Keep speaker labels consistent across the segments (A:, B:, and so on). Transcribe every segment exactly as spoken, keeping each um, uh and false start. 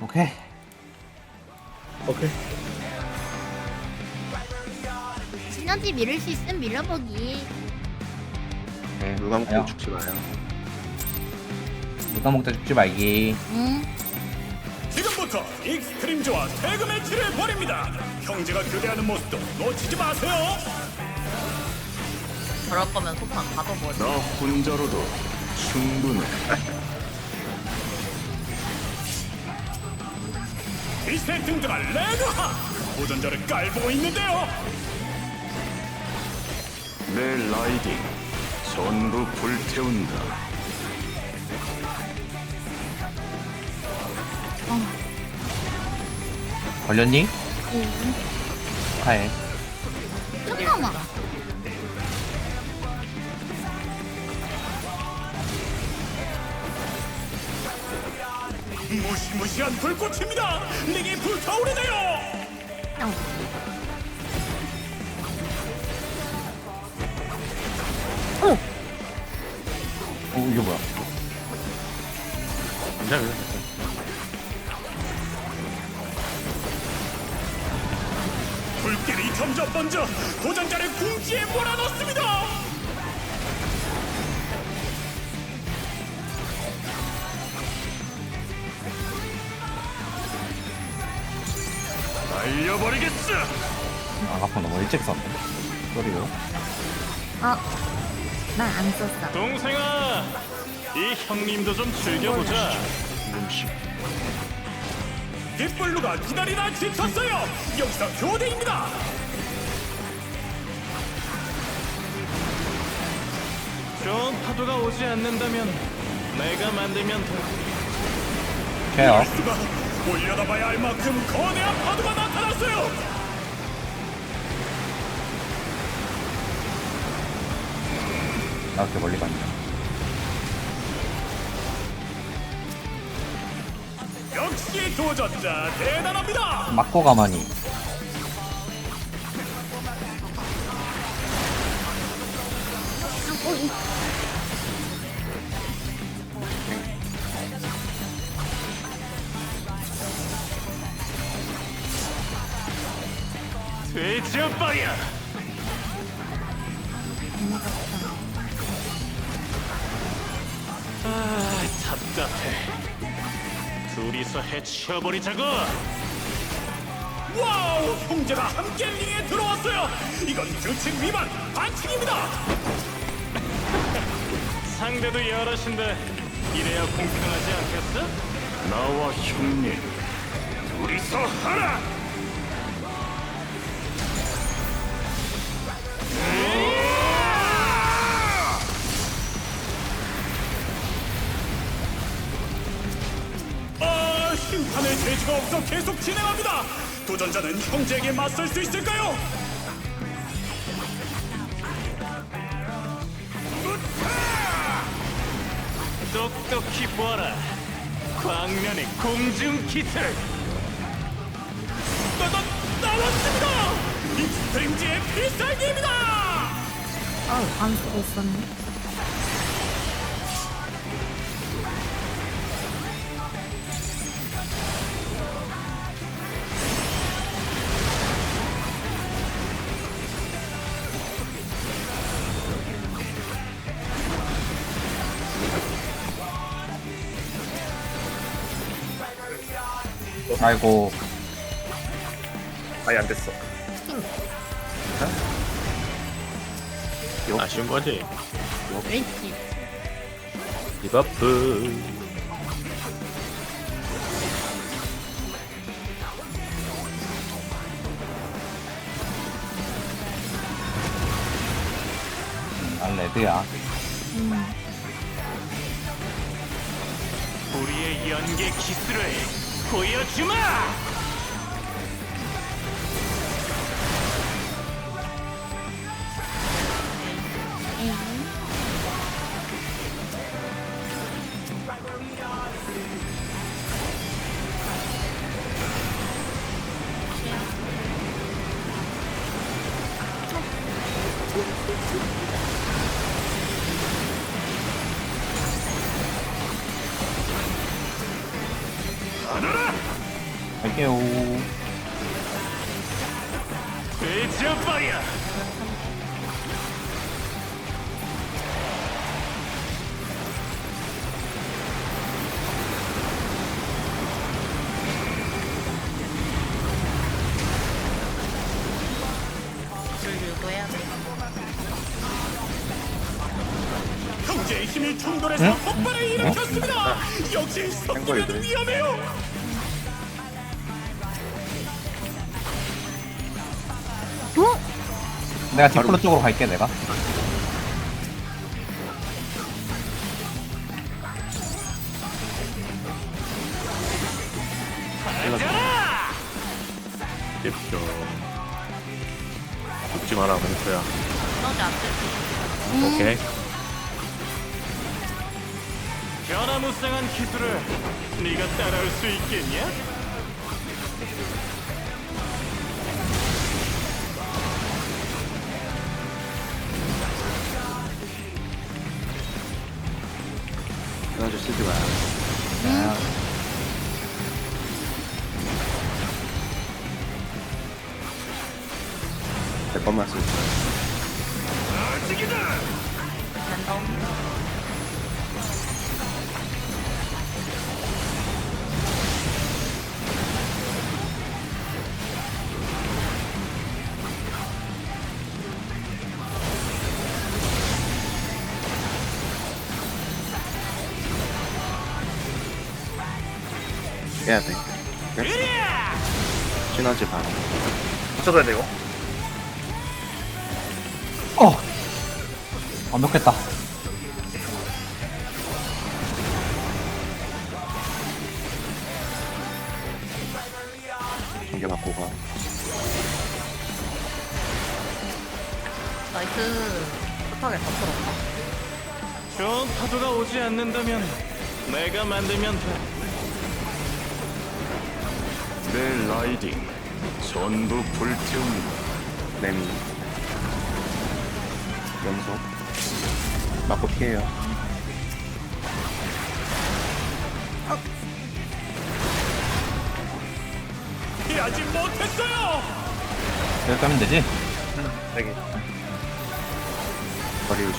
A: 오케이.
B: 오케이.
C: 시너지 밀을 수 있으면 밀어보기.
A: 오케이.
B: 누가 먹고
A: 아야.
B: 죽지 마요.
A: 누가 먹다 죽지 말기.
C: 응.
D: 지금부터 익스트림즈와 태그 매치를 벌입니다. 형제가 교대하는 모습도 놓치지 마세요.
E: 저럴 거면 소판 가둬버려.
D: 너 혼자로도 충분해. 이세 등등한 레그하 도전자를 깔보고 있는데요. 내 라이딩 전부 불태운다.
A: 걸렸니?
C: 응.
A: 축하해.
C: 잠깐만.
D: 무시무시한 불꽃입니다. 링이 불타오르네요.
C: 어.
A: 오, 이게 뭐야?
B: 괜찮아요.
D: 불길이 점점 번져 도전자를 궁지에 몰아넣습니다. 날려버리겠어.
A: 아, 아까 너무 일찍 썼네. 소리요.
C: 어. 난 안 썼어.
D: 동생아, 이 형님도 좀 즐겨보자. 깃불루가 기다리다 지쳤어요. 여기서 교대입니다. 좋은 파도가 오지 않는다면 내가 만들면 돼.
A: 케어.
D: 수가 올려다봐야 할 만큼 거대한 파도가 나타났어요.
A: 나 이렇게 멀리 갔냐.
D: 역시 도전자 대단합니다.
A: 맞고 가만히.
C: 어, 이-
D: 돼지 오빠야. 아, 답답해. 둘이서 해치워버리자고. 와우, 형제가 함께 링에 들어왔어요. 이건 규칙 위반, 반칙입니다. 상대도 여럿인데 이래야 공평하지 않겠어? 나와 형님, 둘이서 하라. 아, 심판의 재주가 없어 계속 진행합니다. 도전자는 형제에게 맞설 수 있을까요? 똑똑히 보아라. 광면의 공중 기술. 나, 나, 나왔습니다. 익스트림즈의 필살기입니다.
C: 어우, 안 쓰고 있었네.
A: 아이고.
B: 아예 안 됐어.
F: 아쉬운 거지.
C: 그렇지.
F: 디버프.
A: 난 레드야.
C: 음.
D: 우리의 연계 기술을 보여주마.
C: 에이.
D: 하늘아!
A: 갈게요.
D: 돼지아빠야.
E: 줄 유도해야 돼.
D: 형제의 힘이 충돌해서
A: 응?
D: 폭발을 일으켰습니다. 역시 섞이면 위험해요.
C: 어?
A: 내가 디플로 쪽으로 갈게 내가.
B: 예쁘죠. 죽지 마라, 멘토야.
E: 너지 안 돼.
B: 오케이.
D: 변화무쌍한 기술을 네가 따라올 수 있겠냐?
B: 에너지 쓰지 마.
A: 네.
B: 내 것만 쓰지.
E: 랜덤.
B: 해야 돼. 시너지 반.
F: 붙여줘야 돼 이거.
A: 어. 완벽했다.
B: 전개 맞고 가.
E: 나이스. 급하게 더 풀었다.
D: 좋은 파도가 오지 않는다면 내가 만들면 돼. 내 라이딩 전부 불태웁니다.
B: 레미. 연속. 맞고 피해요.
D: 피하지 못했어요.
A: 여기 가면 되지?
F: 여기.
B: 거리 유지.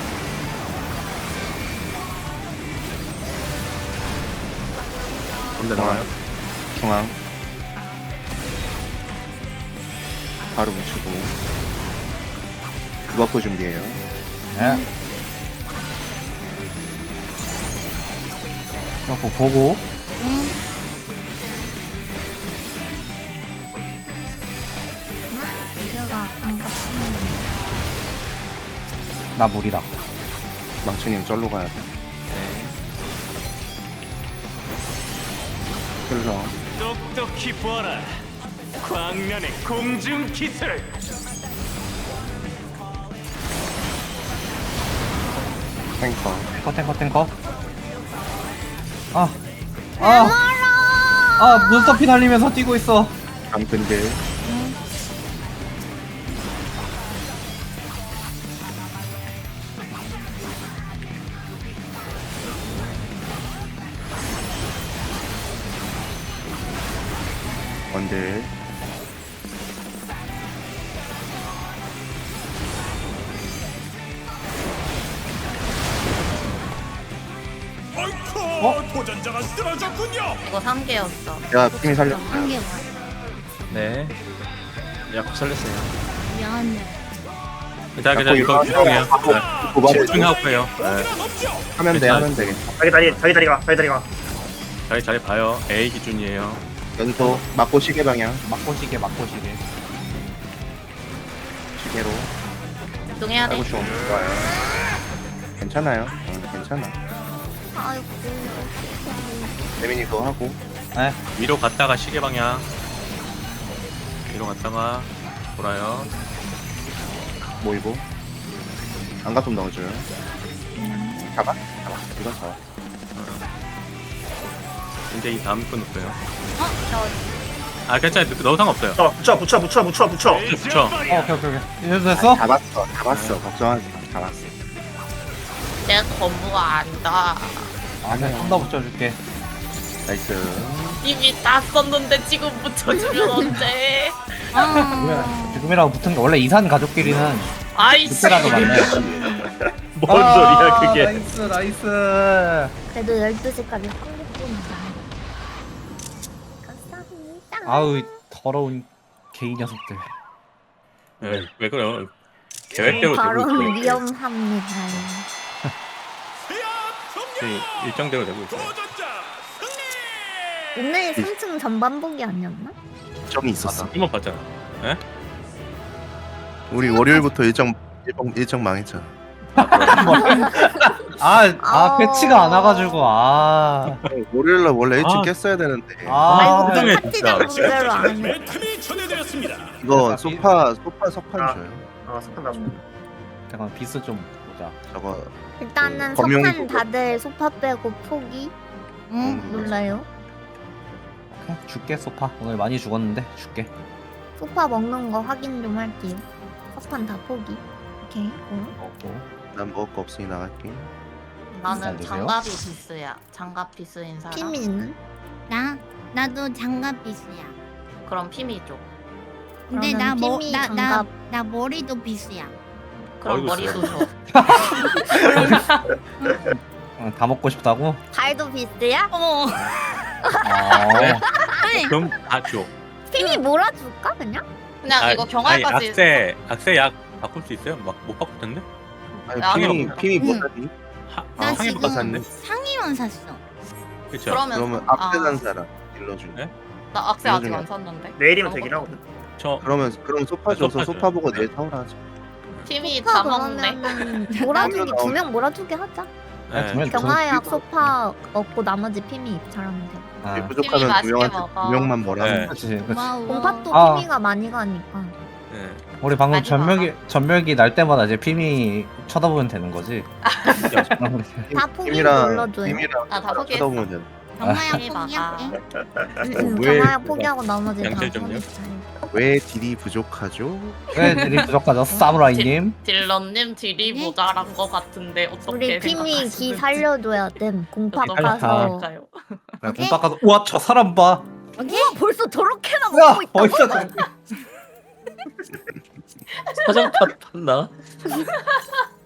F: 건데
B: 중앙.
F: 나와요?
B: 중앙. 바로 붙이고. 그버프 준비해요.
A: 네. 그거 보고.
C: 응. 이겨가 안 갔으면.
A: 나 물이다.
B: 망치님 쩔로 가야 돼. 흘러.
D: 똑똑히 보아라. 광면의 공중 기술.
B: 탱커.
A: 탱커 탱커 탱커. 아. 아. 아 눈썹이 달리면서 뛰고 있어.
B: 감근들. 원들.
D: 아이쿠,
A: 어?
D: 도전자가 쓰러졌군요.
E: 이거 삼 개였어.
B: 내가 팀이 살려.
C: 한개 봐.
F: 네. 야곱 살렸어요.
C: 미안해.
F: 일단 그냥 이거 집중해요. 네.
B: 고바로
F: 집중하고 해요. 네.
D: 거기는 없죠.
B: 하면 돼,
F: 괜찮아.
B: 하면 되겠다.
G: 자기 다리 자기 다리가 자기 다리가
F: 자기 잘 봐요. A 기준이에요.
B: 연속, 맞고 시계 방향.
A: 막고 시계 막고 시계.
B: 시계로.
E: 집중해야 돼.
B: 아이고, 좀. 좋아요. 괜찮아요. 응, 괜찮아.
C: 아이고.
B: 재민이 그거 하고.
A: 네.
F: 위로 갔다가 시계 방향. 위로 갔다가 돌아요.
B: 모이고. 안가 좀 넣어줘요. 잡아? 잡아. 이건 잡아.
F: 이제 이 다음 분 없어요.
C: 어? 저
F: 아 괜찮아요. 넣어 상관없어요.
G: 붙여 붙여 붙여 붙여 붙여 붙여
F: 붙여.
A: 어, 오케이 오케이 오케이. 이래도 됐어?
B: 잡았어. 잡았어. 걱정하지 마. 잡았어.
E: 내 건부가 아니다.
A: 아니야 좀 더 붙여줄게.
B: 나이스.
E: 이미 다 썼는데 지금 붙여주면 언제?
C: 아.
A: 지금이라고 붙은 게 원래 이산 가족끼리는
E: 아이씨.
A: 그때라도 만나요.
B: 뭔 소리야 그게.
A: 나이스 나이스.
C: 그래도 열두 시까지 삼십 분이다. 감사합니다.
A: 아우 이 더러운 개이 녀석들.
F: 네, 왜 그래요? 계획대로 되고
C: 발언
F: 있어요.
C: 위험합니다.
F: 네, 일정대로 되고 있어요.
D: 도전자 승리.
C: 오늘 삼 층 전반복이 아니었나?
B: 일정이 있었어.
F: 한번 봤잖아. 예?
B: 우리 월요일부터 일정 일정, 일정 망했잖아.
A: 아아
C: 아.
A: 패치가 안 와가지고 아.
B: 월요일날 원래 일찍
F: 아.
B: 깼어야 되는데.
A: 아.
C: 아이고
F: 세상에,
C: 그 파티장
F: 진짜.
C: 문제로 안 해.
D: 매 틈이 전해드렸습니다.
B: 이거 소파 소파 석판
G: 아.
B: 줘요.
G: 아 스판 나줘.
A: 잠깐 비스 좀 보자.
B: 저거
C: 일단은
B: 검용
C: 석판
B: 도구.
C: 다들 소파 빼고 포기. 응
B: 음.
C: 놀라요.
A: 오케이, 줄게 소파. 오늘 많이 죽었는데 줄게.
C: 소파 먹는 거 확인 좀 할게요. 석판 다 포기. 오케이. 어.
A: 먹고.
B: 난 먹을 거 없으니 나갈게.
E: 나는
A: 잘 드세요.
E: 장갑이 비스야. 장갑 비스인 사람.
C: 피미는?
H: 나 나도 장갑 비스야.
E: 그럼 피미 쪽.
H: 근데
C: 그러면
H: 나 머
C: 피미
H: 나 나
C: 장갑.
H: 나 머리도 비스야.
E: 그럼
F: 머리도
E: 머리도 줘.
A: 어, 다 먹고 싶다고?
C: 발도 비스야?
H: 어머.
A: 아.
H: 아니,
F: 그럼 다 줘.
C: 피미 몰아줄까 그냥?
E: 그냥
F: 아,
E: 이거
F: 아니,
E: 경화까지.
F: 악세 악세 약 바꿀 수 있어요? 막 못 바꿀 텐데?
B: 아니
E: 야,
B: 피미
F: 그럼-
B: 피미 못
C: 응.
B: 하니?
F: 하,
H: 나
F: 아, 상해도
H: 지금
F: 샀네.
H: 상의만 샀어.
F: 그렇죠.
E: 그러면
B: 그러면
E: 아,
B: 앞에 산 사람 일러주네.
F: 네?
E: 나 악세 아직
B: 요즘에-
E: 안 샀는데.
G: 내일이면 되긴 하거든.
F: 저
B: 그러면 그럼 소파
F: 아,
B: 줘서
F: 소파
B: 소파
F: 줘요.
B: 보고 내일 사오라 하자.
E: 팀이 다
C: 소파
E: 먹네.
C: 그러면은 몰아주기
B: 나오면
C: 두 명 몰아주게 하자.
F: 네.
A: 두 명-
C: 경화약 소파 먹고 나머지 피미 잘하면 돼.
A: 아,
B: 부족하면 두
E: 맛있게
B: 명한테
E: 먹어.
B: 두 명만 뭐라.
F: 네.
B: 하면
A: 그렇지, 그렇지.
H: 고마워.
C: 공팟도
A: 아.
C: 피미가 많이 가니까.
F: 네.
A: 우리 방금
E: 많이
A: 전멸기 전멸기 날 때마다 이제 피미 쳐다보면 되는 거지.
C: 다 포기
B: 피미랑
C: 눌러줘요.
B: 피미랑
E: 아, 다 포기했어.
B: 쳐다보면 돼.
H: 경마약
E: 피미
H: 포기할게.
C: 응, 응,
B: 왜-
C: 경화약 포기하고 나머지 다
F: 양철 좀요?
C: 포기.
B: 왜 딜이 부족하죠?
A: 왜 들이 부족하죠, 사무라이님?
E: 딜러님 딜이
H: 네?
E: 모자란 거 같은데 어떻게
C: 우리 피미 기
E: 생각하시는지.
C: 살려줘야 됨. 공팟
E: 어떻게
A: 살려-
C: 가서.
E: 생각할까요?
A: 야, 공 닦아서 우와 저 사람 봐.
C: 우와 벌써 저렇게나
A: 야
C: 먹고 있다.
A: 벌써
F: 사장 탔나?